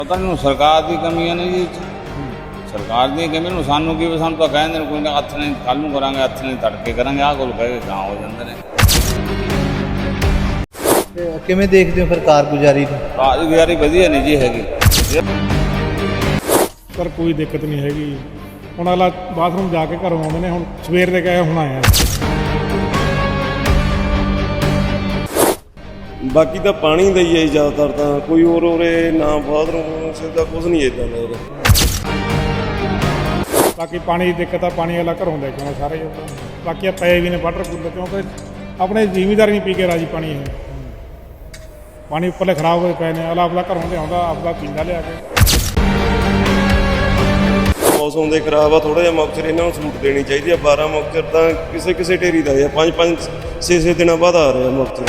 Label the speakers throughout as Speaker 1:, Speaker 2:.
Speaker 1: पता नहीं सरकार की कमियां ने जी सरकार दी कमी ਨੂੰ ਸਾਨੂੰ ਕੀ ਸਾਨੂੰ ਤਾਂ ਕਹਿੰਦੇ ਨੇ ਕੋਈ ਨਾ ਹੱਥ ਨਹੀਂ ਕੱਲ ਨੂੰ ਕਰਾਂਗੇ ਹੱਥ ਨਹੀਂ ਤੜਕੇ ਕਰਾਂਗੇ ਆਹ ਕੋਲ ਕਹਿ ਕੇ ਗਾਂ ਹੋ ਜਾਂਦੇ ਨੇ।
Speaker 2: ਕਿਵੇਂ ਦੇਖਦੇ ਹੋ ਫਿਰ ਕਾਰਗੁਜ਼ਾਰੀ ਨੂੰ?
Speaker 1: ਕਾਰਗੁਜ਼ਾਰੀ ਵਧੀਆ ਨਹੀਂ ਜੀ ਹੈਗੀ
Speaker 3: ਪਰ ਕੋਈ ਦਿੱਕਤ ਨਹੀਂ ਹੈਗੀ। ਹੁਣ ਅਗਲਾ ਬਾਥਰੂਮ ਜਾ ਕੇ ਘਰੋਂ ਆਉਂਦੇ ਨੇ, ਹੁਣ ਸਵੇਰ ਦੇ ਗਏ ਹੁਣ ਆਇਆ।
Speaker 4: ਬਾਕੀ ਤਾਂ ਪਾਣੀ ਦਾ ਹੀ ਹੈ ਜ਼ਿਆਦਾਤਰ, ਤਾਂ ਕੋਈ ਹੋਰ ਉਰੇ ਨਾ ਬਾਥਰੂਮ ਸਿੱਧਾ ਕੁਝ ਨਹੀਂ ਇੱਦਾਂ ਦਾ ਹੈਗਾ।
Speaker 3: ਬਾਕੀ ਪਾਣੀ ਦੀ ਦਿੱਕਤ ਆ, ਪਾਣੀ ਵਾਲਾ ਘਰੋਂ ਲੈ ਕੇ ਆਉਣਾ ਸਾਰੇ ਹੀ। ਬਾਕੀ ਆ ਪਏ ਵੀ ਨੇ ਵਾਟਰ ਕੂਲਰ, ਕਿਉਂਕਿ ਆਪਣੇ ਜ਼ਿਮੀਂਦਾਰ ਨਹੀਂ ਪੀ ਕੇ ਰਾਜੀ ਪਾਣੀ। ਇਹ ਪਾਣੀ ਉੱਪਰਲੇ ਖਰਾਬ ਹੋਏ ਪਏ ਨੇ, ਅਗਲਾ ਆਪਦਾ ਘਰੋਂ ਲਿਆਉਂਦਾ ਆਪਦਾ ਪੀਂਦਾ ਲਿਆ ਕੇ।
Speaker 4: ਮੌਸਮ ਦੇ ਖਰਾਬ ਆ, ਥੋੜਾ ਜਿਹਾ ਮੌਕਚਰ ਇਹਨਾਂ ਨੂੰ ਛੂਟ ਦੇਣੀ ਚਾਹੀਦੀ ਆ। 12 ਮੌਕਚਰ ਤਾਂ ਕਿਸੇ ਕਿਸੇ ਢੇਰੀ ਦਾ ਹੈ, 5-5 6-6 ਦਿਨਾਂ ਬਾਅਦ ਆ ਰਿਹਾ ਮੌਕਚਰ।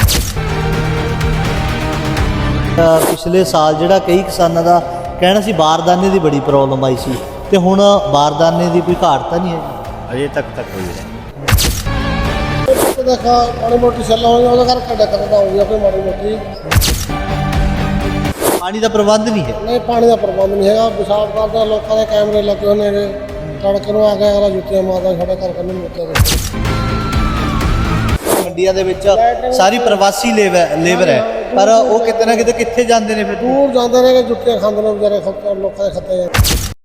Speaker 2: ਪਿਛਲੇ ਸਾਲ ਜਿਹੜਾ ਕਈ ਕਿਸਾਨਾਂ ਦਾ ਕਹਿਣਾ ਸੀ ਬਾਰਦਾਨੇ ਦੀ ਬੜੀ ਪ੍ਰੋਬਲਮ ਆਈ ਸੀ, ਤੇ ਹੁਣ ਬਾਰਦਾਨੇ ਦੀ ਕੋਈ ਘਾਟ ਤਾਂ ਨਹੀਂ ਹੈ ਜੀ?
Speaker 5: ਅਜੇ ਤੱਕ ਹੋਈ ਹੈ।
Speaker 6: देखा माड़ी मोटी सलाह हो गया कोई माड़ी मोटी
Speaker 2: ਪਾਣੀ ਦਾ ਪ੍ਰਬੰਧ ਨਹੀਂ ਹੈ।
Speaker 6: नहीं पानी का प्रबंध नहीं है। पेशाब करते लोगों के कैमरे लगे होने तड़के आ गए अगला जुत्तियां मारदा साढ़े घर कन्ने मुक्के
Speaker 2: ਮੰਡੀਆਂ ਦੇ ਵਿੱਚ ਸਾਰੀ ਪ੍ਰਵਾਸੀ ਲੇਬਰ ਹੈ, ਪਰ ਉਹ ਕਿਤੇ ਨਾ ਕਿਤੇ ਕਿੱਥੇ ਜਾਂਦੇ ਨੇ ਫਿਰ?
Speaker 6: दूर जाते हैं कि जुत्तियां खाते हैं बेचारे लोगों के खत्ते हैं।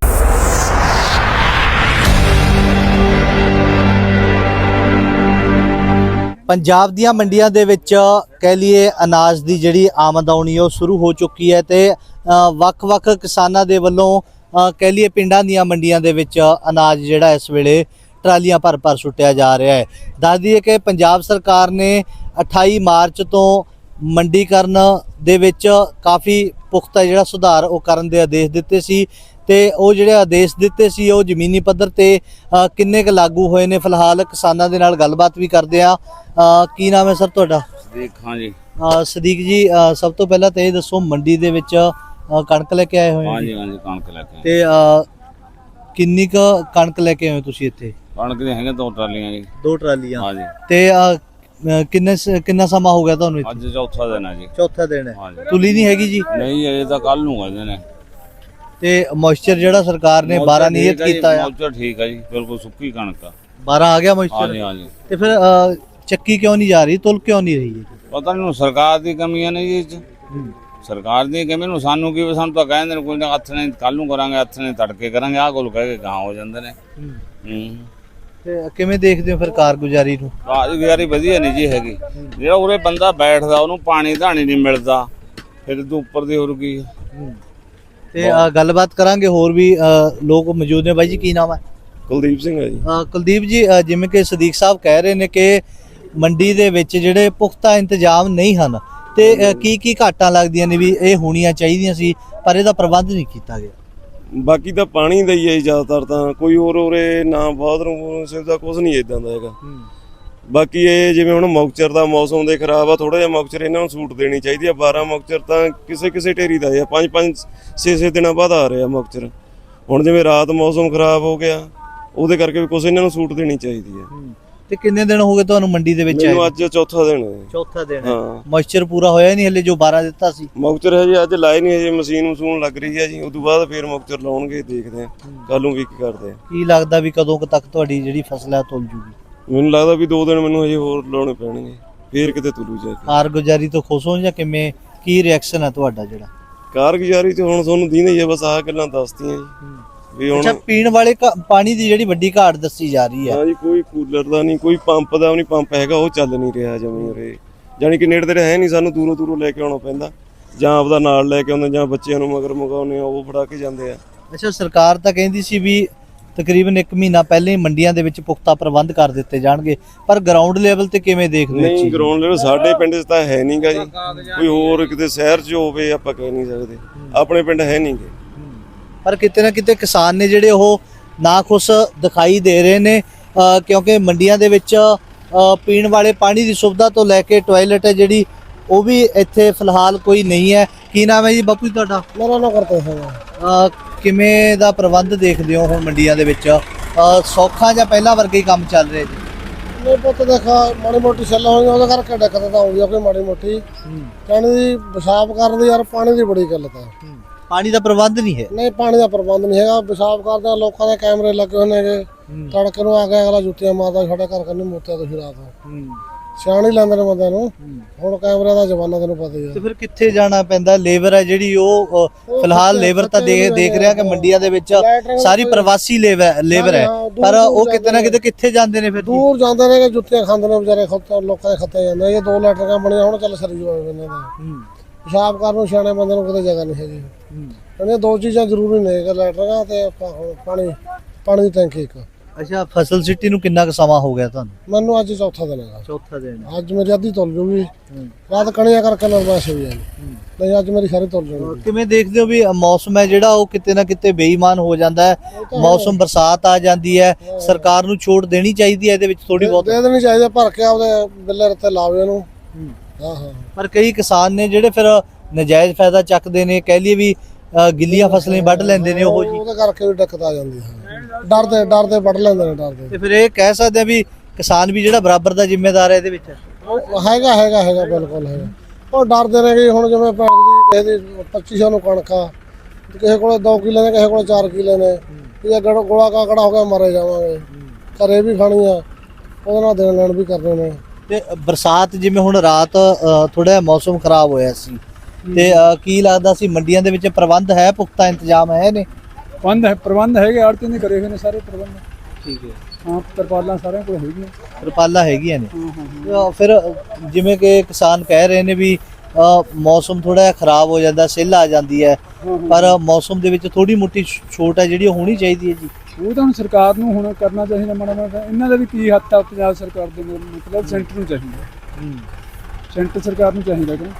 Speaker 2: ਪੰਜਾਬ ਦੀਆਂ ਮੰਡੀਆਂ ਦੇ ਵਿੱਚ ਕਹਿ ਲਈਏ ਅਨਾਜ ਦੀ ਜਿਹੜੀ ਆਮਦ ਆਉਣੀ ਉਹ ਸ਼ੁਰੂ ਹੋ ਚੁੱਕੀ ਹੈ, ਤੇ ਵੱਖ-ਵੱਖ ਕਿਸਾਨਾਂ ਦੇ ਵੱਲੋਂ ਕਹਿ ਲਈਏ ਪਿੰਡਾਂ ਦੀਆਂ ਮੰਡੀਆਂ ਦੇ ਵਿੱਚ ਅਨਾਜ ਜਿਹੜਾ ਇਸ ਵੇਲੇ ਟਰਾਲੀਆਂ ਭਰ ਸੁੱਟਿਆ ਜਾ ਰਿਹਾ ਹੈ। ਦੱਸ ਦਈਏ ਕਿ ਪੰਜਾਬ ਸਰਕਾਰ ਨੇ 28 ਮਾਰਚ ਤੋਂ ਮੰਡੀਕਰਨ ਦੇ ਵਿੱਚ ਕਾਫੀ ਪੁਖਤਾ ਜਿਹੜਾ ਸੁਧਾਰ ਉਹ ਕਰਨ ਦੇ ਆਦੇਸ਼ ਦਿੱਤੇ ਸੀ, ਤੇ ਉਹ ਜਿਹੜੇ ਆਦੇਸ਼ ਦਿੱਤੇ ਸੀ ਉਹ ਜ਼ਮੀਨੀ ਪੱਧਰ ਤੇ ਕਿੰਨੇ ਕੁ ਲਾਗੂ ਹੋਏ ਨੇ? ਫਿਲਹਾਲ ਕਿਸਾਨਾਂ ਦੇ ਨਾਲ ਗੱਲਬਾਤ ਵੀ ਕਰਦੇ ਆ। ਕੀ ਨਾਮ ਹੈ ਸਰ ਤੁਹਾਡਾ?
Speaker 1: ਸਦੀਕ ਖਾਂ ਜੀ।
Speaker 2: ਸਦੀਕ ਜੀ, ਸਭ ਤੋਂ ਪਹਿਲਾਂ ਤਾਂ ਇਹ ਦੱਸੋ, ਮੰਡੀ ਦੇ ਵਿੱਚ ਕਣਕ ਲੈ ਕੇ ਆਏ ਹੋਏ
Speaker 1: ਹਾਂਜੀ ਹਾਂਜੀ ਕਣਕ ਲੈ ਕੇ
Speaker 2: ਤੇ ਕਿੰਨੀ ਕੁ ਕਣਕ ਲੈ ਕੇ ਆਏ ਹੋ ਤੁਸੀਂ ਇੱਥੇ?
Speaker 1: ਕਣਕ ਦੇ ਹੈਗੇ 2 ਟਰਾਲੀਆਂ ਜੀ।
Speaker 2: 2 ਟਰਾਲੀਆਂ।
Speaker 1: ਹਾਂਜੀ।
Speaker 2: ਤੇ ਕਿੰਨਾ ਸਮਾਂ ਹੋ ਗਿਆ ਤੁਹਾਨੂੰ ਇੱਥੇ?
Speaker 1: ਅੱਜ ਚੌਥਾ ਦਿਨ ਹੈ ਜੀ।
Speaker 2: ਚੌਥਾ ਦਿਨ ਹੈ।
Speaker 1: ਹਾਂਜੀ।
Speaker 2: ਤੁਲੀ ਨਹੀਂ ਹੈਗੀ ਜੀ?
Speaker 1: ਨਹੀਂ ਅਜੇ ਤਾਂ ਕੱਲ ਨੂੰ ਕਹਿੰਦੇ ਨੇ।
Speaker 2: ਤੇ ਮੋਇਸਚਰ ਜਿਹੜਾ ਸਰਕਾਰ ਨੇ 12 ਨਿਯਤ ਕੀਤਾ ਹੈ?
Speaker 1: ਮੋਇਸਚਰ ਠੀਕ ਹੈ ਜੀ, ਬਿਲਕੁਲ ਸੁੱਕੀ ਕਣਕ ਆ।
Speaker 2: 12 ਆ ਗਿਆ ਮੋਇਸਚਰ?
Speaker 1: ਹਾਂਜੀ ਹਾਂਜੀ।
Speaker 2: ਤੇ ਫਿਰ ਚੱਕੀ ਕਿਉਂ ਨਹੀਂ ਜਾ ਰਹੀ, ਤੁਲ ਕਿਉਂ ਨਹੀਂ ਰਹੀ ਹੈ?
Speaker 1: ਪਤਾ ਨਹੀਂ ਸਰਕਾਰ ਦੀ ਕਮੀਆਂ ਨੇ ਜੀ। ਸਰਕਾਰ ਦੀ ਕਮੀ ਨੂੰ ਸਾਨੂੰ ਕੀ ਸਾਨੂੰ ਤਾਂ ਕਹਿੰਦੇ ਨੇ ਕੋਈ ਨਾ ਹੱਥ ਨਹੀਂ ਕੱਲ ਨੂੰ ਕਰਾਂਗੇ ਹੱਥ ਨਹੀਂ ਤੜਕੇ ਕਰਾਂਗੇ ਆਹ ਕੋਲ ਕਹਿ ਕੇ ਗਾਂ ਹੋ ਜਾਂਦੇ ਨੇ।
Speaker 2: ਤੇ ਕਿਵੇਂ ਦੇਖਦੇ ਹੋ ਫਿਰ ਕਾਰਗੁਜ਼ਾਰੀ ਨੂੰ?
Speaker 1: ਕਾਰਗੁਜ਼ਾਰੀ ਵਧੀਆ ਨਹੀਂ ਜੀ ਹੈਗੀ। ਜਿਹੜਾ ਉਰੇ ਬੰਦਾ ਬੈਠਦਾ ਉਹਨੂੰ ਪਾਣੀ ਧਾਣੀ ਨਹੀਂ ਮਿਲਦਾ, ਫਿਰ ਤੂੰ ਉੱਪਰ ਦੀ ਹੋਰ ਕੀ।
Speaker 2: ਤੇ ਗੱਲਬਾਤ ਕਰਾਂਗੇ, ਹੋਰ ਵੀ ਲੋਕ ਮੌਜੂਦ ਨੇ। ਬਾਈ ਜੀ ਕੀ ਨਾਮ ਹੈ?
Speaker 4: ਕੁਲਦੀਪ ਸਿੰਘ ਹੈ ਜੀ।
Speaker 2: ਕੁਲਦੀਪ ਜੀ, ਜਿਵੇਂ ਕਿ ਸਦੀਕ ਸਾਹਿਬ ਕਹਿ ਰਹੇ ਨੇ ਕਿ ਮੰਡੀ ਦੇ ਵਿੱਚ ਜਿਹੜੇ ਪੁਖਤਾ ਇੰਤਜ਼ਾਮ ਨਹੀਂ ਹਨ, ਤੇ ਕੀ ਘਾਟਾਂ ਲੱਗਦੀਆਂ ਨੇ ਵੀ ਇਹ ਹੋਣੀਆਂ ਚਾਹੀਦੀਆਂ ਸੀ ਪਰ ਇਹਦਾ ਪ੍ਰਬੰਧ ਨਹੀਂ ਕੀਤਾ ਗਿਆ?
Speaker 4: ਬਾਕੀ ਤਾਂ ਪਾਣੀ ਦਾ ਹੀ ਹੈ ਜ਼ਿਆਦਾਤਰ, ਤਾਂ ਕੋਈ ਹੋਰ ਉਰੇ ਨਾ ਬਾਥਰੂਮ ਸਿੱਧਾ ਕੁਝ ਨਹੀਂ ਇੱਦਾਂ ਦਾ ਹੈਗਾ। ਬਾਕੀ ਇਹ ਜਿਵੇਂ ਹੁਣ ਮੌਕਚਰ ਦਾ ਮੌਸਮ ਦੇ ਖਰਾਬ ਆ, ਥੋੜਾ ਜਿਹਾ ਮੌਕਚਰ ਇਹਨਾਂ ਨੂੰ ਛੂਟ ਦੇਣੀ ਚਾਹੀਦੀ ਆ। 12 ਮੌਕਚਰ ਤਾਂ ਕਿਸੇ ਕਿਸੇ ਢੇਰੀ ਦਾ ਹੈ, 5-5 6-6 ਦਿਨਾਂ ਬਾਅਦ ਆ ਰਿਹਾ ਮੌਕਚਰ। ਹੁਣ ਜਿਵੇਂ ਰਾਤ ਮੌਸਮ ਖਰਾਬ ਹੋ ਗਿਆ, ਉਹਦੇ ਕਰਕੇ ਵੀ ਕੁਝ ਇਹਨਾਂ ਨੂੰ ਛੂਟ ਦੇਣੀ ਚਾਹੀਦੀ ਹੈ।
Speaker 2: ਤੇ ਕਿੰਨੇ ਦਿਨ ਹੋ ਗਏ ਤੁਹਾਨੂੰ ਮੰਡੀ ਦੇ ਵਿੱਚ?
Speaker 4: ਮੈਨੂੰ ਅੱਜ ਚੌਥਾ ਦਿਨ ਹੈ।
Speaker 2: ਚੌਥਾ ਦਿਨ ਹੈ।
Speaker 4: ਹਾਂ।
Speaker 2: ਮੋਇਸਚਰ ਪੂਰਾ ਹੋਇਆ ਨਹੀਂ ਹਲੇ ਜੋ 12 ਦਿੱਤਾ ਸੀ?
Speaker 4: ਮੌਕਚਰ ਹੈ ਜੀ ਅੱਜ ਲਾਏ ਨਹੀਂ, ਹਜੇ ਮਸ਼ੀਨ ਲੱਗ ਰਹੀ ਹੈ ਜੀ। ਉਸ ਤੋਂ ਬਾਅਦ ਫਿਰ ਮੌਕਚਰ ਲਾਉਣਗੇ, ਦੇਖਦੇ ਆ ਕੱਲ ਨੂੰ ਕੀ ਕਰਦੇ ਆ।
Speaker 2: ਕੀ ਲੱਗਦਾ ਵੀ ਕਦੋਂ ਤੱਕ ਤੁਹਾਡੀ ਜਿਹੜੀ ਫਸਲ ਹੈ ਤੁਲ ਜੂਗੀ?
Speaker 4: ਮੈਨੂੰ ਲੱਗਦਾ ਵੀ 2 ਦਿਨ ਮੈਨੂੰ ਹਜੇ ਹੋਰ ਲਾਉਣੇ ਪੈਣਗੇ, ਫੇਰ ਕਿਤੇ ਤੁਲੂ ਜਾ ਕੇ।
Speaker 2: ਕਾਰਗੁਜ਼ਾਰੀ ਤੋਂ ਖੁਸ਼ ਹੋ ਜਾਂ ਕਿਵੇਂ, ਕੀ ਰਿਐਕਸ਼ਨ ਹੈ ਤੁਹਾਡਾ ਜਿਹੜਾ?
Speaker 4: ਕਾਰਗੁਜ਼ਾਰੀ ਤੇ ਹੁਣ ਤੁਹਾਨੂੰ ਦੀਨੇ ਹੀ ਆ, ਬਸ ਆਹ ਗੱਲਾਂ ਦੱਸਤੀਆਂ ਜੀ ਵੀ ਹੁਣ।
Speaker 2: ਅੱਛਾ, ਪੀਣ ਵਾਲੇ ਪਾਣੀ ਦੀ ਜਿਹੜੀ ਵੱਡੀ ਘਾਟ ਦੱਸੀ ਜਾ ਰਹੀ ਹੈ?
Speaker 4: ਹਾਂ ਜੀ, ਕੋਈ ਕੂਲਰ ਦਾ ਨਹੀਂ, ਕੋਈ ਪੰਪ ਦਾ ਨਹੀਂ, ਪੰਪ ਹੈਗਾ ਉਹ ਚੱਲ ਨਹੀਂ ਰਿਹਾ ਜਮੀਂ ਉਰੇ। ਜਾਣੀ ਕਿ ਨੇੜੇ ਤੇੜੇ ਹੈ ਨਹੀਂ, ਸਾਨੂੰ ਦੂਰੋਂ ਲੈ ਕੇ ਆਉਣਾ ਪੈਂਦਾ, ਜਾਂ ਆਪਦਾ ਨਾਲ ਲੈ ਕੇ ਆਉਂਦੇ, ਜਾਂ ਬੱਚਿਆਂ ਨੂੰ ਮਗਰ ਮੰਗਾਉਂਦੇ ਆ, ਉਹ ਫੜਾ ਕੇ ਜਾਂਦੇ ਆ।
Speaker 2: ਅੱਛਾ, ਸਰਕਾਰ ਤਾਂ ਕਹਿੰਦੀ ਸੀ ਵੀ ਤਕਰੀਬਨ 1 ਮਹੀਨਾ ਪਹਿਲਾਂ ਹੀ ਮੰਡੀਆਂ ਦੇ ਵਿੱਚ ਪੁਖਤਾ ਪ੍ਰਬੰਧ ਕਰ ਦਿੱਤੇ ਜਾਣਗੇ, ਪਰ ਗਰਾਊਂਡ ਲੈਵਲ ਤੇ ਕਿਵੇਂ ਦੇਖਦੇ ਹੋ?
Speaker 4: ਨਹੀਂ, ਗਰਾਊਂਡ ਲੈਵਲ ਸਾਡੇ ਪਿੰਡ 'ਚ ਤਾਂ ਹੈ ਨਹੀਂਗਾ ਜੀ। ਕੋਈ ਹੋਰ ਕਿਤੇ ਸ਼ਹਿਰ 'ਚ ਹੋਵੇ ਆਪਾਂ ਕਹਿ ਨਹੀਂ ਸਕਦੇ, ਆਪਣੇ ਪਿੰਡ ਹੈ ਨਹੀਂਗੇ।
Speaker 2: ਪਰ ਕਿਤੇ ਨਾ ਕਿਤੇ ਕਿਸਾਨ ਨੇ ਜਿਹੜੇ ਉਹ ਨਾਖੁਸ਼ ਦਿਖਾਈ ਦੇ ਰਹੇ ਨੇ, ਕਿਉਂਕਿ ਮੰਡੀਆਂ ਦੇ ਵਿੱਚ ਪੀਣ ਵਾਲੇ ਪਾਣੀ ਦੀ ਸੁਵਿਧਾ ਤੋਂ ਲੈ ਕੇ ਟਾਇਲਟ ਹੈ ਜਿਹੜੀ ਉਹ ਵੀ ਇੱਥੇ ਫਿਲਹਾਲ ਕੋਈ ਨਹੀਂ ਹੈ। ਕੀ ਨਾਮ ਹੈ ਜੀ ਬਾਪੂ ਜੀ ਤੁਹਾਡਾ?
Speaker 6: मेरा ना करते हैं
Speaker 2: ਕਿਵੇਂ ਦਾ ਪ੍ਰਬੰਧ ਦੇਖਦੇ ਹੋ ਹੁਣ ਮੰਡੀਆਂ ਦੇ ਵਿੱਚ? ਸੌਖਾ ਜਾਂ ਪਹਿਲਾਂ ਵਰਗੇ ਹੀ ਕੰਮ ਚੱਲ ਰਿਹਾ ਜੀ?
Speaker 6: नहीं पुत देखा माड़ी मोटी सलाह हो गया करके दिक्कत हो गया कोई माड़ी मोटी कहने की पेशाब करने यार पानी की बड़ी गलत है।
Speaker 2: ਪਾਣੀ ਦਾ ਪ੍ਰਬੰਧ ਨਹੀਂ ਹੈ।
Speaker 6: ਨਹੀਂ ਪਾਣੀ ਦਾ ਪ੍ਰਬੰਧ ਨਹੀਂ ਹੈਗਾ। ਪਿਸ਼ਾਬ ਕਰਦੇ ਆ, ਲੋਕਾਂ ਦੇ ਕੈਮਰੇ ਲੱਗੇ ਹੋਏ ਨੇਗੇ। ਤੜਕੇ ਨੂੰ ਆ ਕੇ ਅਗਲਾ ਜੁੱਤੀਆਂ ਮਾਰਦਾ, ਸਾਡੇ ਘਰ ਕੰਨੀ ਮੋਤਿਆ ਤੋਂ ਰਾਤ ਸਿਆਣੀ ਲੈਂਦੇ ਨੇ ਬੰਦਿਆਂ ਨੂੰ। ਹੁਣ ਕੈਮਰੇ ਦਾ ਜ਼ਮਾਨਾ ਤੈਨੂੰ ਪਤਾ ਹੀ ਆ।
Speaker 2: ਤੇ ਫਿਰ ਕਿੱਥੇ ਜਾਣਾ ਪੈਂਦਾ? ਲੇਬਰ ਹੈ ਜਿਹੜੀ ਉਹ ਫਿਲਹਾਲ ਲੇਬਰ ਤਾਂ ਦੇਖ ਰਿਹਾ ਕਿ ਮੰਡੀਆਂ ਦੇ ਵਿੱਚ ਸਾਰੀ ਪ੍ਰਵਾਸੀ ਲੇਬਰ ਹੈ, ਪਰ ਉਹ ਕਿਤੇ ਨਾ ਕਿਤੇ ਕਿੱਥੇ ਜਾਂਦੇ ਨੇ ਫਿਰ?
Speaker 6: ਦੂਰ ਜਾਂਦੇ ਨੇ ਕਿ ਜੁੱਤੀਆਂ ਖਾਂਦੇ ਨੇ ਵਿਚਾਰੇ, ਲੋਕਾਂ ਦੇ ਖੱਤੇ ਜਾਂਦੇ। ਇਹ 2 ਲੈਟਰਾਂ ਬਣੀਆਂ ਹੁਣ ਚੱਲ ਸਰੀ ਹੋਏ ਇਹਨਾਂ ਦਾ। ਪਿਸ਼ਾਬ ਕਰਨ ਨੂੰ ਸਿਆਣੇ ਬੰਦੇ ਨੂੰ ਕਿਤੇ ਜਗ੍ਹਾ ਨਹੀਂ ਹੈਗੀ। ਇਹ 2 ਚੀਜ਼ਾਂ ਜ਼ਰੂਰੀ ਨੇ, ਇੱਕ ਲੈਟਰਾਂ ਤੇ ਪਾਣੀ ਦੀ ਟੈਂਕੀ ਇੱਕ।
Speaker 2: ਅੱਛਾ, ਫਸਲ ਸਿੱਟੀ ਨੂੰ ਕਿੰਨਾ ਕੁ ਸਮਾਂ ਹੋ ਗਿਆ ਤੁਹਾਨੂੰ?
Speaker 6: ਮੈਨੂੰ ਅੱਜ ਚੌਥਾ ਦਿਨ ਹੈਗਾ।
Speaker 2: ਚੌਥਾ ਦਿਨ।
Speaker 6: ਅੱਜ ਮੇਰੀ ਅੱਧੀ ਤੁਲ ਜੂਗੀ, ਰਾਤ ਕਣੀਆਂ ਕਰਕੇ ਨਰਮਾਸ਼ ਹੋਈ ਜਾਂਦੀ, ਨਹੀਂ ਅੱਜ ਮੇਰੀ ਸਾਰੀ ਤੁਲ ਜੂਗੀ।
Speaker 2: ਕਿਵੇਂ ਦੇਖਦੇ ਹੋ ਵੀ ਮੌਸਮ ਹੈ ਜਿਹੜਾ ਉਹ ਕਿਤੇ ਨਾ ਕਿਤੇ ਬੇਈਮਾਨ ਹੋ ਜਾਂਦਾ ਹੈ? ਮੌਸਮ ਬਰਸਾਤ ਆ ਜਾਂਦੀ ਹੈ, ਸਰਕਾਰ ਨੂੰ ਛੋਟ ਦੇਣੀ ਚਾਹੀਦੀ ਹੈ ਇਹਦੇ ਵਿੱਚ ਥੋੜੀ ਬਹੁਤ?
Speaker 6: ਦੇ ਦੇਣੀ ਚਾਹੀਦੀ, ਭਰ ਕੇ ਆਪਦੇ ਬਿੱਲੇ ਰੱਤੇ ਲਾਵੇ ਇਹਨੂੰ। ਹਾਂ।
Speaker 2: ਪਰ ਕਈ ਕਿਸਾਨ ਨੇ ਜਿਹੜੇ ਫਿਰ ਨਜਾਇਜ਼ ਫਾਇਦਾ ਚੱਕਦੇ ਨੇ, ਕਹਿ ਲਈਏ ਵੀ ਗਿੱਲੀਆਂ ਫਸਲਾਂ ਵੱਢ ਲੈਂਦੇ ਨੇ ਉਹ ਜੀ।
Speaker 6: ਉਹਦੇ ਕਰਕੇ ਵੀ ਦਿੱਕਤ ਆ ਜਾਂਦੀ ਹੈ। ਡਰਦੇ ਵੱਢ ਲੈਂਦੇ ਨੇ, ਡਰਦੇ।
Speaker 2: ਤੇ ਫਿਰ ਇਹ ਕਹਿ ਸਕਦੇ ਆ ਵੀ ਕਿਸਾਨ ਵੀ ਜਿਹੜਾ ਬਰਾਬਰ ਦਾ ਜ਼ਿੰਮੇਦਾਰ ਹੈ ਇਹਦੇ ਵਿੱਚ?
Speaker 6: ਹੈਗਾ ਬਿਲਕੁਲ ਹੈਗਾ। ਉਹ ਡਰਦੇ ਨੇ ਕਿ ਹੁਣ ਜਿਵੇਂ ਪਿੰਡ ਦੀ ਕਿਸੇ ਦੀ 2500 ਨੂੰ ਕਣਕ ਆ, ਕਿਸੇ ਕੋਲੇ 2 ਕਿੱਲੇ ਨੇ, ਕਿਸੇ ਕੋਲੇ 4 ਕਿੱਲੇ ਨੇ, ਇਹ ਗੋਲਾ ਕਾਕੜਾ ਹੋ ਗਿਆ ਮਾਰੇ ਜਾਵਾਂਗੇ। ਘਰੇ ਵੀ ਖਾਣੀ ਆ, ਉਹਦੇ ਨਾਲ ਦੇਣ ਲੈਣ ਵੀ ਕਰਨੇ ਨੇ।
Speaker 2: ਤੇ ਬਰਸਾਤ ਜਿਵੇਂ ਹੁਣ ਰਾਤ ਥੋੜਾ ਮੌਸਮ ਖਰਾਬ ਹੋਇਆ ਸੀ, ਤੇ ਕੀ ਲੱਗਦਾ ਸੀ ਮੰਡੀਆਂ ਦੇ ਵਿੱਚ ਪ੍ਰਬੰਧ ਹੈ, ਪੁਖਤਾ ਇੰਤਜ਼ਾਮ ਹੈ ਨੇ?
Speaker 5: ਪ੍ਰਬੰਧ ਹੈਗੇ, ਆੜਤੀਆਂ ਨੇ ਕਰੇ ਹੋਏ ਨੇ ਸਾਰੇ ਪ੍ਰਬੰਧ।
Speaker 2: ਠੀਕ ਹੈ।
Speaker 5: ਹਾਂ, ਤਰਪਾਲਾਂ ਸਾਰਿਆਂ ਕੋਲ ਹੈਗੀਆਂ।
Speaker 2: ਤਰਪਾਲਾਂ ਹੈਗੀਆਂ ਨੇ। ਫਿਰ ਜਿਵੇਂ ਕਿ ਕਿਸਾਨ ਕਹਿ ਰਹੇ ਨੇ ਵੀ ਮੌਸਮ ਥੋੜਾ ਜਿਹਾ ਖਰਾਬ ਹੋ ਜਾਂਦਾ, ਸਿੱਲ ਆ ਜਾਂਦੀ ਹੈ, ਪਰ ਮੌਸਮ ਦੇ ਵਿੱਚ ਥੋੜੀ ਮੋਟੀ ਛੋਟ ਹੈ ਜਿਹੜੀ ਉਹ ਹੋਣੀ ਚਾਹੀਦੀ ਹੈ ਜੀ।
Speaker 5: ਉਹ ਤਾਂ ਹੁਣ ਸਰਕਾਰ ਨੂੰ ਹੁਣ ਕਰਨਾ ਚਾਹੀਦਾ ਮਾੜਾ ਮਾੜਾ। ਇਹਨਾਂ ਦਾ ਵੀ ਕੀ ਹੱਥ ਆ ਪੰਜਾਬ ਸਰਕਾਰ ਦੇ, ਮਤਲਬ ਸੈਂਟਰ ਨੂੰ ਚਾਹੀਦਾ। ਸੈਂਟਰ ਸਰਕਾਰ ਨੂੰ ਚਾਹੀਦਾ ਕਿ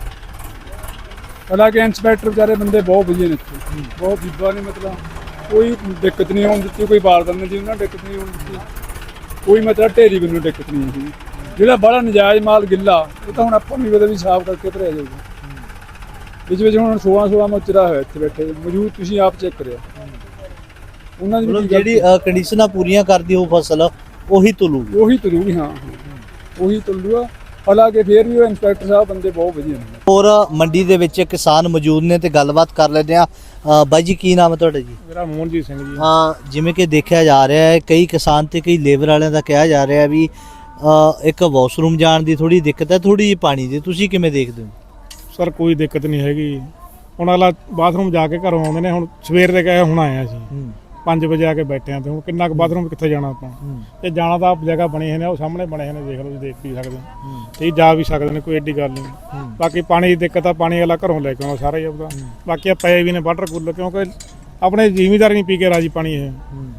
Speaker 5: ਹਾਲਾਂਕਿ ਇੰਸਪੈਕਟਰ ਵਿਚਾਰੇ ਬੰਦੇ ਬਹੁਤ ਵਧੀਆ ਨੇ ਇੱਥੇ, ਬਹੁਤ ਬੀਬਾ ਨੇ, ਮਤਲਬ ਕੋਈ ਦਿੱਕਤ ਨਹੀਂ ਆਉਣ ਦਿੱਤੀ, ਕੋਈ ਬਾਰਦਾਨਾ ਨਹੀਂ ਜੀ ਉਹਨਾਂ ਦਿੱਕਤ ਨਹੀਂ ਆਉਣ ਦਿੱਤੀ, ਕੋਈ ਮਤਲਬ ਢੇਰੀ ਮੈਨੂੰ ਦਿੱਕਤ ਨਹੀਂ ਆਉਂਦੀ। ਜਿਹੜਾ ਬੜਾ ਨਜਾਇਜ਼ ਮਾਲ ਗਿੱਲਾ, ਉਹ ਤਾਂ ਹੁਣ ਆਪਾਂ ਨੂੰ ਵੀ ਸਾਫ਼ ਕਰਕੇ ਭਰਿਆ ਜਾਊਗਾ। ਵਿੱਚ ਹੁਣ 16 ਮੋਚਰਾ ਹੋਇਆ ਇੱਥੇ ਬੈਠੇ ਮੌਜੂਦ, ਤੁਸੀਂ ਆਪ ਚੈੱਕ ਕਰਿਆ। ਉਹਨਾਂ ਦੀ
Speaker 2: ਜਿਹੜੀ ਕੰਡੀਸ਼ਨਾਂ ਪੂਰੀਆਂ ਕਰਦੀ ਉਹ ਫਸਲ ਉਹੀ ਤੁਲੂਗੀ।
Speaker 5: ਹਾਂ, ਉਹੀ ਤੁਲੂਗਾ। ਹਾਲਾਂਕਿ ਫੇਰ ਵੀ ਉਹ ਇੰਸਪੈਕਟਰ ਸਾਹਿਬ ਬੰਦੇ ਬਹੁਤ ਵਧੀਆ ਨੇ।
Speaker 2: ਹੋਰ ਮੰਡੀ ਦੇ ਵਿੱਚ ਕਿਸਾਨ ਮੌਜੂਦ ਨੇ ਤੇ ਗੱਲਬਾਤ ਕਰ ਲੈਂਦੇ ਆ। ਬਾਈ ਜੀ, ਕੀ ਨਾਮ ਹੈ ਤੁਹਾਡਾ ਜੀ?
Speaker 3: ਮੇਰਾ ਮੋਹਨਜੀਤ ਸਿੰਘ ਜੀ।
Speaker 2: ਜਿਵੇਂ ਕਿ ਦੇਖਿਆ ਜਾ ਰਿਹਾ ਹੈ, ਕਈ ਕਿਸਾਨ ਤੇ ਕਈ ਲੇਬਰ ਵਾਲਿਆਂ ਦਾ ਕਿਹਾ ਜਾ ਰਿਹਾ ਵੀ ਇੱਕ ਵਾਸ਼ਰੂਮ ਜਾਣ ਦੀ ਥੋੜੀ ਦਿੱਕਤ ਹੈ, ਥੋੜੀ ਜਿਹੀ ਪਾਣੀ ਦੀ। ਤੁਸੀਂ ਕਿਵੇਂ ਦੇਖਦੇ ਹੋ?
Speaker 3: ਸਰ ਕੋਈ ਦਿੱਕਤ ਨਹੀਂ ਹੈਗੀ। ਹੁਣ ਅਗਲਾ ਬਾਥਰੂਮ ਜਾ ਕੇ ਘਰੋਂ ਆਉਂਦੇ ਨੇ। ਹੁਣ ਸਵੇਰ ਦੇ ਗਏ, ਹੁਣ ਆਏ ਅਸੀਂ 5 ਵਜੇ ਆ ਕੇ ਬੈਠੇ ਆ, ਤੇ ਹੁਣ ਕਿੰਨਾ ਕੁ ਬਾਥਰੂਮ ਕਿੱਥੇ ਜਾਣਾ ਆਪਾਂ? ਤੇ ਜਾਣਾ ਤਾਂ ਜਗ੍ਹਾ ਬਣੀ ਹੋਈ ਨੇ, ਉਹ ਸਾਹਮਣੇ ਬਣੇ ਹੋਏ ਨੇ, ਦੇਖ ਲਓ, ਤੁਸੀਂ ਦੇਖ ਵੀ ਸਕਦੇ ਹੋ, ਤੇ ਜਾ ਵੀ ਸਕਦੇ ਨੇ, ਕੋਈ ਐਡੀ ਗੱਲ ਨਹੀਂ। ਬਾਕੀ ਪਾਣੀ ਦੀ ਦਿੱਕਤ ਆ, ਪਾਣੀ ਵਾਲਾ ਘਰੋਂ ਲੈ ਕੇ ਆਉਣਾ ਸਾਰਾ ਹੀ ਆਪਦਾ। ਬਾਕੀ ਆ ਪਏ ਵੀ ਨੇ ਵਾਟਰ ਕੂਲਰ, ਕਿਉਂਕਿ ਆਪਣੇ ਜ਼ਿਮੀਦਾਰ ਨਹੀਂ ਪੀ ਕੇ ਰਾਜੀ ਪਾਣੀ। ਇਹ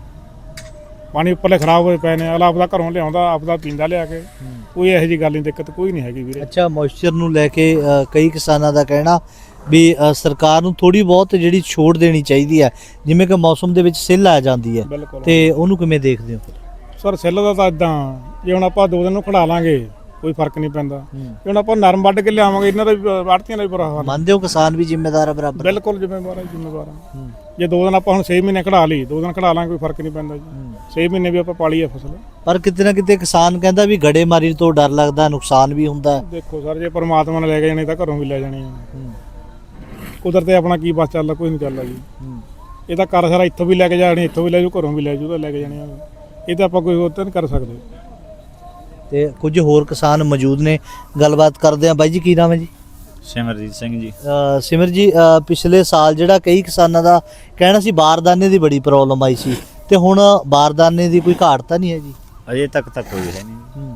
Speaker 3: ਪਾਣੀ ਉੱਪਰਲੇ ਖਰਾਬ ਹੋਏ ਪਏ ਨੇ, ਅਗਲਾ ਆਪਦਾ ਘਰੋਂ ਲਿਆਉਂਦਾ, ਆਪਦਾ ਪੀਂਦਾ ਲਿਆ ਕੇ। ਕੋਈ ਇਹੋ ਜਿਹੀ ਗੱਲ ਨਹੀਂ, ਦਿੱਕਤ ਕੋਈ ਨਹੀਂ ਹੈਗੀ ਵੀਰੇ।
Speaker 2: ਅੱਛਾ, ਮੋਇਸਚਰ ਨੂੰ ਲੈ ਕੇ ਕਈ ਕਿਸਾਨਾਂ ਦਾ ਕਹਿਣਾ ਵੀ ਸਰਕਾਰ ਨੂੰ ਥੋੜੀ ਬਹੁਤ ਜਿਹੜੀ ਛੋਟ ਦੇਣੀ ਚਾਹੀਦੀ ਹੈ, ਜਿਵੇਂ ਕਿ ਮੌਸਮ ਦੇ ਵਿੱਚ ਸਿੱਲ ਆ ਜਾਂਦੀ ਹੈ, ਤੇ ਉਹਨੂੰ ਕਿਵੇਂ ਦੇਖਦੇ ਹੋ?
Speaker 3: ਸਰ ਸਿੱਲ ਦਾ ਤਾਂ ਇਦਾਂ, ਜੇ ਹੁਣ ਆਪਾਂ 2 ਦਿਨ ਨੂੰ ਖੜਾ ਲਾਂਗੇ ਕੋਈ ਫਰਕ ਨਹੀਂ ਪੈਂਦਾ। ਜੇ ਹੁਣ ਆਪਾਂ ਨਰਮ ਵੱਢ ਕੇ ਲਿਆਵਾਂਗੇ, ਇਹਨਾਂ ਦਾ ਵੀ ਆੜਤੀਆਂ ਦਾ ਵੀ ਬੁਰਾ ਹਾਲ।
Speaker 2: ਮੰਨਦੇ ਹੋ ਕਿਸਾਨ ਵੀ ਜ਼ਿੰਮੇਦਾਰ ਹੈ ਬਰਾਬਰ?
Speaker 3: ਬਿਲਕੁਲ ਜ਼ਿੰਮੇਵਾਰ ਆ। ਜੇ 2 ਦਿਨ ਆਪਾਂ ਹੁਣ 6 ਮਹੀਨੇ ਖੜਾ ਲਈ, 2 ਦਿਨ ਖੜਾ ਲਾਂਗੇ, ਕੋਈ ਫਰਕ ਨਹੀਂ ਪੈਂਦਾ ਜੀ। 6 ਮਹੀਨੇ ਵੀ ਆਪਾਂ ਪਾਲੀ ਆ ਫਸਲ।
Speaker 2: ਪਰ ਕਿਤੇ ਨਾ ਕਿਤੇ ਕਿਸਾਨ ਕਹਿੰਦਾ ਵੀ ਗੜੇਮਾਰੀ ਤੋਂ ਡਰ ਲੱਗਦਾ, ਨੁਕਸਾਨ ਵੀ ਹੁੰਦਾ।
Speaker 3: ਦੇਖੋ ਸਰ, ਜੇ ਪਰਮਾਤਮਾ ਨੇ ਲੈ ਕੇ ਜਾਣੀ ਤਾਂ ਘਰੋਂ ਵੀ ਲੈ ਜਾਣੀ ਆ। ਕੁਦਰਤ ਆਪਣਾ ਕੀ ਬਸ ਚੱਲਦਾ, ਕੋਈ ਨਹੀਂ ਚੱਲਦਾ ਜੀ। ਇਹ ਤਾਂ ਕਰ ਸਾਰਾ ਇੱਥੋਂ ਵੀ ਲੈ ਕੇ ਜਾਣੀ, ਇੱਥੋਂ ਵੀ ਲੈ ਜੂ, ਘਰੋਂ ਵੀ ਲੈ ਜੂ, ਤਾਂ ਲੈ ਕੇ ਜਾਣੀ ਆ। ਇਹ ਤਾਂ ਆਪਾਂ ਕੋਈ ਹੋਰ ਤਾਂ ਨਹੀਂ ਕਰ ਸਕਦੇ।
Speaker 2: ਤੇ ਕੁਝ ਹੋਰ ਕਿਸਾਨ ਮੌਜੂਦ ਨੇ, ਗੱਲਬਾਤ ਕਰਦੇ ਆ। ਬਾਈ ਜੀ, ਕੀ ਨਾਮ ਹੈ ਜੀ?
Speaker 7: ਸਿਮਰਜੀਤ ਸਿੰਘ ਜੀ।
Speaker 2: ਸਿਮਰ ਜੀ, ਪਿਛਲੇ ਸਾਲ ਜਿਹੜਾ ਕਈ ਕਿਸਾਨਾਂ ਦਾ ਕਹਿਣਾ ਸੀ ਬਾਰਦਾਨੇ ਦੀ ਬੜੀ ਪ੍ਰੋਬਲਮ ਆਈ ਸੀ, ਤੇ ਹੁਣ ਬਾਰਦਾਨੇ ਦੀ ਕੋਈ ਘਾਟ ਤਾਂ ਨਹੀਂ ਹੈ ਜੀ?
Speaker 7: ਅਜੇ ਤੱਕ ਤਾਂ ਕੋਈ ਹੈ ਨਹੀਂ।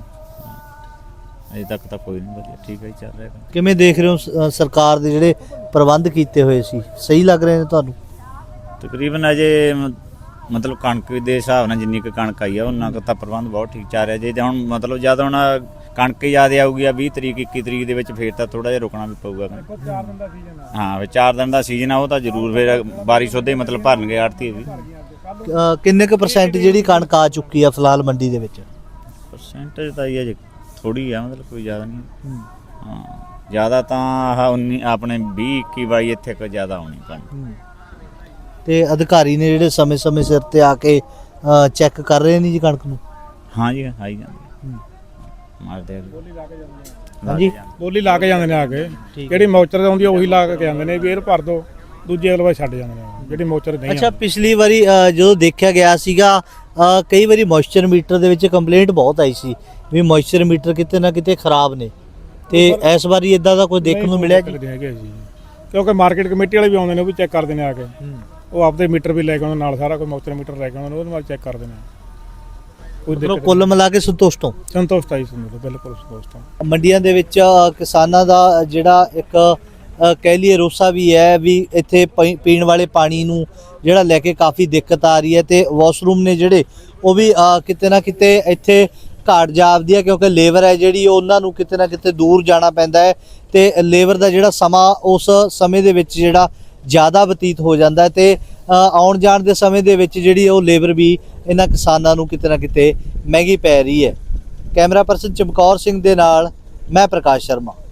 Speaker 7: ਅਜੇ ਤੱਕ ਤਾਂ ਕੋਈ ਨਹੀਂ, ਵਧੀਆ ਠੀਕ ਹੈ ਚੱਲ ਰਿਹਾ।
Speaker 2: ਕਿਵੇਂ ਦੇਖ ਰਹੇ ਹੋ ਸਰਕਾਰ ਦੇ ਜਿਹੜੇ ਪ੍ਰਬੰਧ ਕੀਤੇ ਹੋਏ ਸੀ, ਸਹੀ ਲੱਗ ਰਹੇ ਨੇ ਤੁਹਾਨੂੰ?
Speaker 7: ਤਕਰੀਬਨ ਅਜੇ ਮਤਲਬ ਕਣਕ ਦੇ ਹਿਸਾਬ ਨਾਲ ਜਿੰਨੀ ਕੁ ਕਣਕ ਆਈ ਆ ਉਹਨਾਂ ਕੁ ਤਾਂ ਪ੍ਰਬੰਧ ਬਹੁਤ ਠੀਕ ਚੱਲ ਰਿਹਾ। ਜੇ ਹੁਣ ਮਤਲਬ ਜਦ ਹੁਣ ਕਣਕ ਜ਼ਿਆਦਾ ਆਊਗੀ 20 ਤਰੀਕ 21 ਤਰੀਕ ਦੇ ਵਿੱਚ, ਫੇਰ ਤਾਂ ਥੋੜਾ ਜਿਹਾ ਰੁਕਣਾ ਵੀ ਪਊਗਾ।
Speaker 3: 4 ਦਿਨ ਦਾ ਸੀਜ਼ਨ ਆ।
Speaker 7: ਹਾਂ, ਫਿਰ 4 ਦਿਨ ਦਾ ਸੀਜ਼ਨ ਆ, ਉਹ ਤਾਂ ਜ਼ਰੂਰ ਫਿਰ ਬਾਰਿਸ਼ ਉਹਦੇ ਮਤਲਬ ਭਰਨਗੇ ਆੜਤੀ ਵੀ।
Speaker 2: ਕਿੰਨੇ ਕੁ % ਜਿਹੜੀ ਕਣਕ ਆ ਚੁੱਕੀ ਆ ਫਿਲਹਾਲ ਮੰਡੀ ਦੇ ਵਿੱਚ?
Speaker 7: ਪਰਸੈਂਟੇਜ ਤਾਂ ਇਹ ਥੋੜੀ ਆ, ਮਤਲਬ ਕੋਈ ਜ਼ਿਆਦਾ ਨਹੀਂ। ਹਾਂ, ਜ਼ਿਆਦਾ ਤਾਂ ਆਹ 19 ਆਪਣੇ 20 21 22 ਇੱਥੇ ਕੋਈ ਜ਼ਿਆਦਾ ਆਉਣੀ ਕਣਕ।
Speaker 2: ਤੇ ਅਧਿਕਾਰੀ ਨੇ ਜਿਹੜੇ ਸਮੇਂ-ਸਮੇਂ ਸਿਰ ਤੇ ਆ ਕੇ ਚੈੱਕ ਕਰ ਰਹੇ ਨੇ ਜੀ ਕਣਕ ਨੂੰ?
Speaker 7: ਹਾਂ ਜੀ, ਆਈ ਜਾਂਦੇ ਮਾਰਦੇ
Speaker 2: ਹਾਂਜੀ,
Speaker 3: ਬੋਲੀ ਲਾ ਕੇ ਜਾਂਦੇ ਨੇ ਆ ਕੇ। ਜਿਹੜੀ ਮੌਚਰ ਆਉਂਦੀ ਆ ਉਹੀ ਲਾ ਕੇ ਜਾਂਦੇ ਨੇ ਵੀ ਇਹ ਭਰ ਦੋ, ਦੂਜੇ ਅਗਲੇ ਵਾਰ ਛੱਡ ਜਾਂਦੇ ਨੇ ਜਿਹੜੀ ਮੋਚਰ ਨਹੀਂ
Speaker 2: ਅੱਛਾ, ਪਿਛਲੀ ਵਾਰੀ ਜਦੋਂ ਦੇਖਿਆ ਗਿਆ ਸੀਗਾ ਕਈ ਵਾਰੀ ਮੋਇਸਚਰ ਮੀਟਰ ਦੇ ਵਿੱਚ ਕੰਪਲੇਂਟ ਬਹੁਤ ਆਈ ਸੀ ਵੀ ਮੋਇਸਚਰ ਮੀਟਰ ਕਿਤੇ ਨਾ ਕਿਤੇ ਖਰਾਬ ਨੇ, ਤੇ ਇਸ ਵਾਰੀ ਇਦਾਂ ਦਾ ਕੋਈ ਦੇਖਣ ਨੂੰ ਮਿਲਿਆ ਜੀ?
Speaker 3: ਹੈਗੇ ਜੀ, ਕਿਉਂਕਿ ਮਾਰਕੀਟ ਕਮੇਟੀ ਵਾਲੇ ਵੀ ਆਉਂਦੇ ਨੇ, ਉਹ ਵੀ ਚੈੱਕ ਕਰਦੇ ਨੇ ਆ ਕੇ। ਉਹ ਆਪਦੇ ਮੀਟਰ ਵੀ ਲੈ ਕੇ ਆਉਂਦੇ ਨਾਲ, ਸਾਰਾ ਕੋਈ ਮੋਇਸਚਰ ਮੀਟਰ ਲੈ ਕੇ ਆਉਂਦੇ ਨੇ, ਉਹਦੇ ਨਾਲ ਚੈੱਕ ਕਰਦੇ ਨੇ। ਕੋਈ
Speaker 2: ਮਤਲਬ ਕੁੱਲ ਮਿਲਾ ਕੇ ਸੰਤੁਸ਼ਟ ਹੋ?
Speaker 3: ਸੰਤੁਸ਼ਟ ਆਈ ਸੰਤੁਸ਼ਟ, ਬਿਲਕੁਲ ਸੰਤੁਸ਼ਟ ਹਾਂ।
Speaker 2: ਮੰਡੀਆਂ ਦੇ ਵਿੱਚ ਕਿਸਾਨਾਂ ਦਾ ਜਿਹੜਾ ਇੱਕ ਕਹਿ ਲਈਏ ਰੋਸਾ ਵੀ ਹੈ ਵੀ ਇੱਥੇ ਪੀਣ ਵਾਲੇ ਪਾਣੀ ਨੂੰ ਜਿਹੜਾ ਲੈ ਕੇ ਕਾਫੀ ਦਿੱਕਤ ਆ ਰਹੀ ਹੈ, ਤੇ ਵਾਸ਼ਰੂਮ ਨੇ ਜਿਹੜੇ ਉਹ ਵੀ ਕਿਤੇ ਨਾ ਕਿਤੇ ਇੱਥੇ ਘਾਟ ਜਾਪਦੀ ਹੈ, ਕਿਉਂਕਿ ਲੇਬਰ ਹੈ ਜਿਹੜੀ ਉਹਨਾਂ ਨੂੰ ਕਿਤੇ ਨਾ ਕਿਤੇ ਦੂਰ ਜਾਣਾ ਪੈਂਦਾ ਹੈ, ਤੇ ਲੇਬਰ ਦਾ ਜਿਹੜਾ ਸਮਾਂ ਉਸ ਸਮੇਂ ਦੇ ਵਿੱਚ ਜਿਹੜਾ ਜ਼ਿਆਦਾ ਬਤੀਤ ਹੋ ਜਾਂਦਾ ਹੈ, ਤੇ ਆਉਣ ਜਾਣ ਦੇ ਸਮੇਂ ਦੇ ਵਿੱਚ ਜਿਹੜੀ ਉਹ ਲੇਬਰ ਵੀ ਇਹਨਾਂ ਕਿਸਾਨਾਂ ਨੂੰ ਕਿਤੇ ਨਾ ਕਿਤੇ ਮਹਿੰਗੀ ਪੈ ਰਹੀ ਹੈ। ਕੈਮਰਾ ਪਰਸਨ ਚਮਕੌਰ ਸਿੰਘ ਦੇ ਨਾਲ ਮੈਂ ਪ੍ਰਕਾਸ਼ ਸ਼ਰਮਾ।